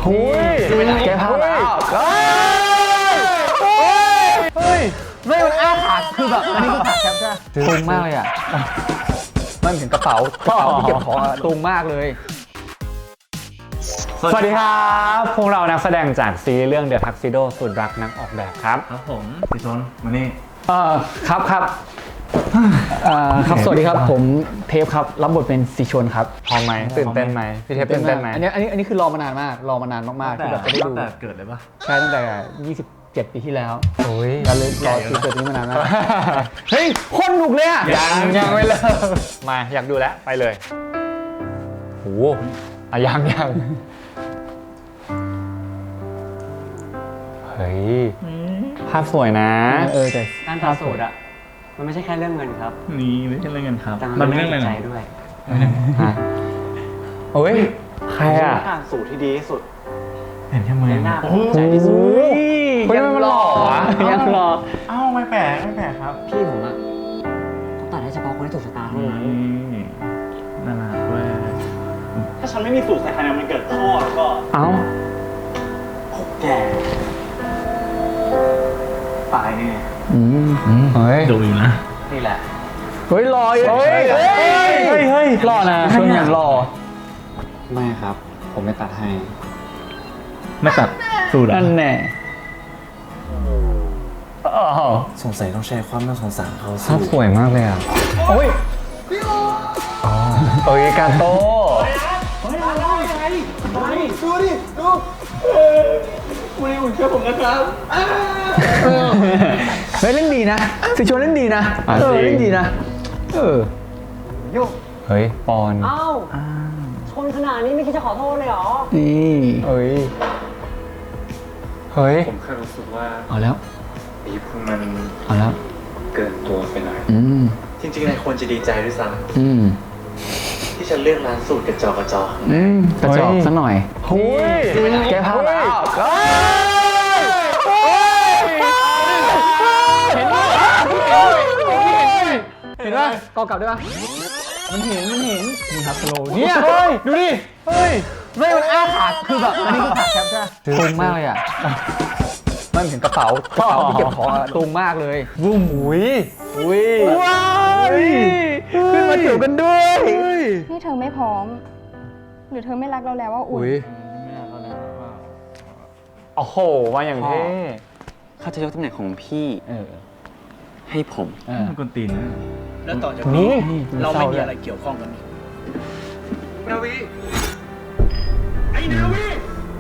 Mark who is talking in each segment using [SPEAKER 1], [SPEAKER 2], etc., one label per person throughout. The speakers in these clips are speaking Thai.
[SPEAKER 1] หุยแกพาแล้วเฮ้ยไม่มันอ้าขาคือแบบอันนี้คือขาแคปใช่ไหมตุงมากเลยอ่ะมันถึงกระเป๋าที่เก็บของตุงมากเลย
[SPEAKER 2] สวัสดีครับพวกเรานักแสดงจากซีรีส์เรื่อง The Tuxedo สุดรักนักออกแบบครับ
[SPEAKER 3] ครับผมพี่ชนมานี่
[SPEAKER 1] ครับครับสวัสดีครับผมเทปครับรับบทเป็นสีชนครับ
[SPEAKER 2] พร้อมไหมตื่นเต้นไหมพี่เทปตื่นเต้นไหม
[SPEAKER 1] อันนี้คือรอมานานมากมากที่แบบจะได้ดู
[SPEAKER 3] แต่เกิดเลยปะ
[SPEAKER 1] ใช่ตั้งแต่27 ปีที่แล้ว
[SPEAKER 2] โอ้ย
[SPEAKER 1] เราเลยรอซีเกิดนี้มานานมากเฮ้ยคนหนุกเลยอ่ะ
[SPEAKER 2] ยังไม่เลิกมาอยากดูแล้วไปเลยโอ้ยังเฮ้ยภาพสวยนะ
[SPEAKER 1] แต่
[SPEAKER 4] การตัดสูตรอ่ะมันไม่ใช่แค่เรื่องเงินครับ
[SPEAKER 3] นี่ไม่ใช่เรื่องเงินครับ
[SPEAKER 4] มันเป็นเรื่องใจด้วย
[SPEAKER 2] โอ้ยใครอ่ะ
[SPEAKER 4] การสูตรที่ดีที่สุด
[SPEAKER 3] เห็นแค่มือ
[SPEAKER 4] หน้าใจที่สุด
[SPEAKER 2] ยังหล่อ
[SPEAKER 1] ยังหล่อ
[SPEAKER 3] เอ้าไม่แปลกครับ
[SPEAKER 4] พี่ผมอ่ะต้องตัดให้เฉพาะคนที่ถูกชะตาเท่านั้น
[SPEAKER 3] น่ารักเว้ย
[SPEAKER 4] ถ้าฉันไม่มีสูตรใส่คะแนนมันเกิดข้อแล้วก็
[SPEAKER 2] เอ้า
[SPEAKER 4] แกตายแน่
[SPEAKER 2] เฮ้ย
[SPEAKER 3] ดูอยู่นะ
[SPEAKER 4] นี่แหละ
[SPEAKER 1] เฮ้ยหล่อเฮ้ยหล่อนะชวนอย่างหล่อ
[SPEAKER 4] ไม่ครับผมไม่ตัดให้
[SPEAKER 3] ไม่ตัดสูตร
[SPEAKER 1] นั่นแน่
[SPEAKER 4] สงสัยต้องใช้ความน่าสงสารเขา
[SPEAKER 2] ภาพสวยมากเลยอ่ะ
[SPEAKER 1] โอ้ย
[SPEAKER 2] กาโต้
[SPEAKER 1] เฮ้ยเล่นดีนะสิชวนเล่นดีนะเล่นดีนะ
[SPEAKER 4] โยก
[SPEAKER 2] เฮ้ยปอน
[SPEAKER 5] อ้าวชนขนาดนี้ไม่คิดจะขอโทษเลยเหรอ
[SPEAKER 1] นี่
[SPEAKER 2] เฮ้ย
[SPEAKER 4] ผมแค่รู้สึกว่า
[SPEAKER 1] เอาแล้ว
[SPEAKER 4] ปีพวกมัน
[SPEAKER 1] เอาแล้ว
[SPEAKER 4] เกินตัวไปหน่อยจริงๆนายควรจะดีใจด้วยซ้ำที่ฉันเลือกร้านสูตรกระจอก
[SPEAKER 1] กระจอกซะหน่อยแกพาแล้วเห็นไหมกอกลับได้ปะมันเห็นนี่ครับสโลว์เนี่ยดูดิไม่มันอ้าขาคือแบบอันนี้คือขาแคปใช่ไหมตุงมากเลยอ่ะมันถึงกระเป๋าที่เก็บของตุงมากเลยวุ้มว้าวขึ้นมาเกี่ยวกันด้วย
[SPEAKER 5] นี่เธอไม่พร้อมหรือเธอไม่รักเราแล้วว่าอุ่น
[SPEAKER 2] โอ้โหมาอย่างเท่
[SPEAKER 4] เขาจะยกตำแหน่งของพี่ให้ผม
[SPEAKER 3] มันกวนตีน
[SPEAKER 4] แล้วต่อจากนี้เราไม่มีอะไรเกี่ยวข้องกันนาวีไอ้นาวี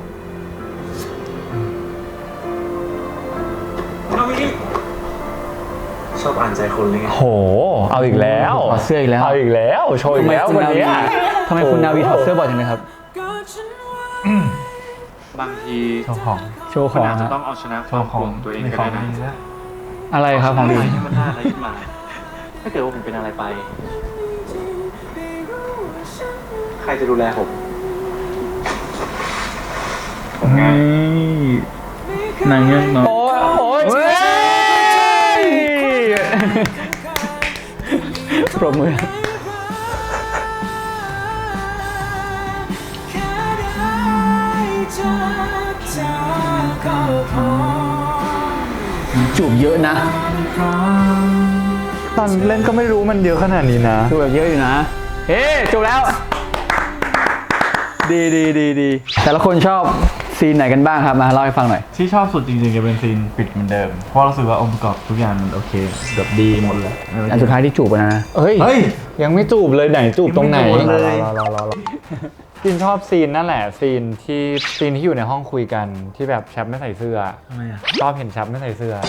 [SPEAKER 4] ชอบอ่านใจคนเลยไง
[SPEAKER 2] โหเอาอีกแล้ว
[SPEAKER 1] ถอดเสื้ออีกแล้ว
[SPEAKER 2] โชว์อีกแล้ววันนี้
[SPEAKER 1] ทำไมคุณนาวีถอดเสื้อบ่อยจังเลยครับ
[SPEAKER 4] บางที
[SPEAKER 1] โชว์ของ
[SPEAKER 4] อาจจะต้องเอาชนะความกลัวของตัวเองก็ได้นะ
[SPEAKER 1] อะไรครับของดี
[SPEAKER 4] ให้มันน่าอะไรขึ้นมาถ้าเกิดว่าผมเป็นอะไรไปใครจะดูแลผม
[SPEAKER 3] ไงนางเงือกเนาะ
[SPEAKER 1] โอ้ยปรบมือจูบเยอะนะ
[SPEAKER 2] ตอนเล่นก็ไม่รู้มันเยอะขนาดนี้นะ
[SPEAKER 1] จูบแบบเยอะอยู่นะจูบแล้วดีแต่ละคนชอบซีนไหนกันบ้างครับมาเล่าให้ฟังหน่อย
[SPEAKER 3] ที่ชอบสุดจริงๆจะเป็นซีนปิดเหมือนเดิมเพราะรู้สึกว่าองค์ประกอบทุกอย่างมันโอเคแบบดีหมดเลย
[SPEAKER 1] อันสุดท้ายที่จูบนะ
[SPEAKER 2] เฮ้ยยังไม่จูบเลยไหนจูบตรงไหนจินชอบซีนนั่นแหละซีนที่อยู่ในห้องคุยกันที่แบบแชปไม่ใส่เสื้อ
[SPEAKER 3] ทำไมอ่ะ
[SPEAKER 2] ชอบเห็นแชปไม่ใส่เสื้อ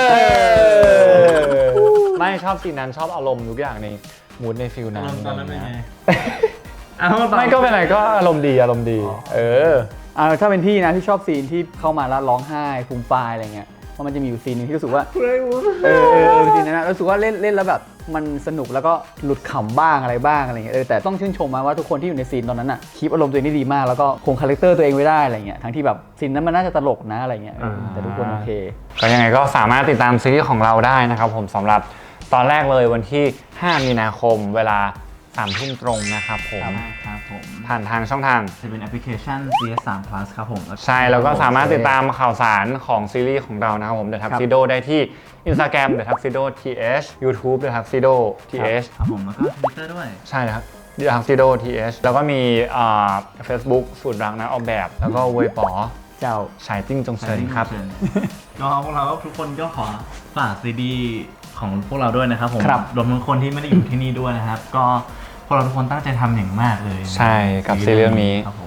[SPEAKER 2] ไม่ชอบซีนนั้นชอบอารมณ์ทุกอย่างในมูดในฟิลนั้น
[SPEAKER 3] ตอนนั้นเป็นไง
[SPEAKER 2] ไม่ก็เป็นไรก็อารมณ์ดี
[SPEAKER 1] ถ้าเป็นพี่นะที่ชอบซีนที่เข้ามาแล้วร้องไห้ฟูมฟายอะไรเงี้ยเพราะมันจะมีอยู่ซีนนึงที่รู้สึกว่าซีนนั้นรู้สึกว่าเล่นแล้วแบบมันสนุกแล้วก็หลุดขำบ้างอะไรบ้างอะไรเงี้ยแต่ต้องชื่นชมว่าทุกคนที่อยู่ในซีนตอนนั้นคีปอารมณ์ตัวเองได้ดีมากแล้วก็คงคาแรคเตอร์ตัวเองไว้ได้อะไรเงี้ยทั้งที่แบบซีนนั้นมันน่าจะตลกนะอะไรเงี้ยแต่ทุกคนโอเค
[SPEAKER 2] ก็ยังไงก็สามารถติดตามซีรีส์ของเราได้นะครับผมสำหรับตอนแรกเลยวันที่5 มีนาคมเวลา 3 ทุ่มตรงนะครับผม
[SPEAKER 3] ครับผม
[SPEAKER 2] ผ่านทางช่องทาง
[SPEAKER 3] จะเป็นแอปพลิเคชัน CS3 Plus ครับผม
[SPEAKER 2] ใช่แล้วก็สามารถติดตามข่าวสารของซีรีส์ของเรานะครับผม The Tuxedo ได้ที่ Instagram The Tuxedo TH YouTube The Tuxedo TH
[SPEAKER 3] ครับผมแล้วก็ Twitter ด้วย
[SPEAKER 2] ใช่นะครับ The Tuxedo TH แล้วก็มีFacebook สูตรรักนะออกแบบ แล้วก็เวยป๋อ
[SPEAKER 1] เจ้า
[SPEAKER 2] ฉายติ้งจงเซินครับ
[SPEAKER 3] ก็พวกเราทุกคนก็ขอฝากซีดีของพวกเราด้วยนะครับผม
[SPEAKER 1] ครับ
[SPEAKER 3] รวมทั้งคนที่ไม่ได้อยู่ที่นี่ด้วยนะครับ ก็พวกเราทุกคนตั้งใจทำอย่างมากเลย
[SPEAKER 2] ใช่กับซีรีส์เรื่องนี้
[SPEAKER 3] ครับผม